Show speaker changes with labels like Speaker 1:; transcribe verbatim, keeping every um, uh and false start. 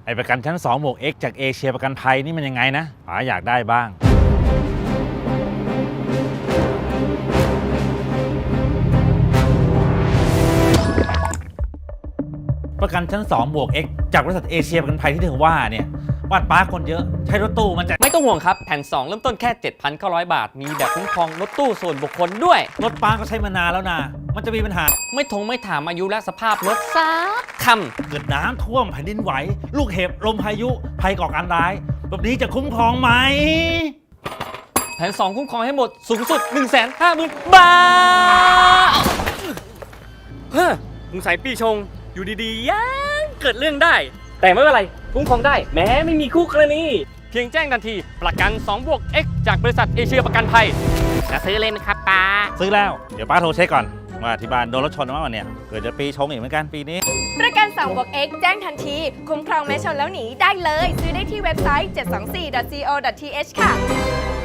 Speaker 1: ไอประกันชั้นสองบวก X จากเอเชียประกันภัยนี่มันยังไงนะป๋าอยากได้บ้างประกันชั้นสองบวก X จากบริษัทเอเชียประกันภัยที่เธอว่าเนี่ยบ้านป้าคนเยอะใช้รถตู้มันจะ
Speaker 2: ไม่ต้องห่วงครับแผ่นสองเริ่มต้นแค่ เจ็ดพันเก้าร้อย บาทมีแบบคุ้มครองรถตู้ส่วนบุคคลด้วย
Speaker 1: รถป้าก็ใช้มานานแล้วนะมันจะมีปัญหา
Speaker 2: ไม่ทงไม่ถามอายุและสภาพรถซักค
Speaker 1: ำเกิดน้ำท่วมแผ่นดินไหวลูกเห็บลมพายุภัยก่อการร้ายแบบนี้จะคุ้มครองไหม
Speaker 2: แผ่นสองคุ้มครองให้หมดสูงสุด หนึ่งแสนห้าหมื่น บาทเฮ้อสงสัยปีชงอยู่ดีๆยังเกิดเรื่องได้แต่ไม่เป็นไรคุ้มครองได้แม้ไม่มีคู่กรณีเพียงแจ้งทันทีประกันสองบวก X จากบริษัทเอเชียประกันภัยจะซื้อเลยไหมครับป้า
Speaker 1: ซื้อแล้วเดี๋ยวป้าโทรเช็คก่อนว่าที่บ้านโดนรถชนมาวันเนี่ยเกิดจะปีชงอีกเหมือนกันปีนี้
Speaker 3: ประกันสองบวก X แจ้งทันทีคุ้มครองแม้ชนแล้วหนีได้เลยซื้อได้ที่เว็บไซต์ เจ็ดสองสี่ ดอท ซี โอ ดอท ที เอช ค่ะ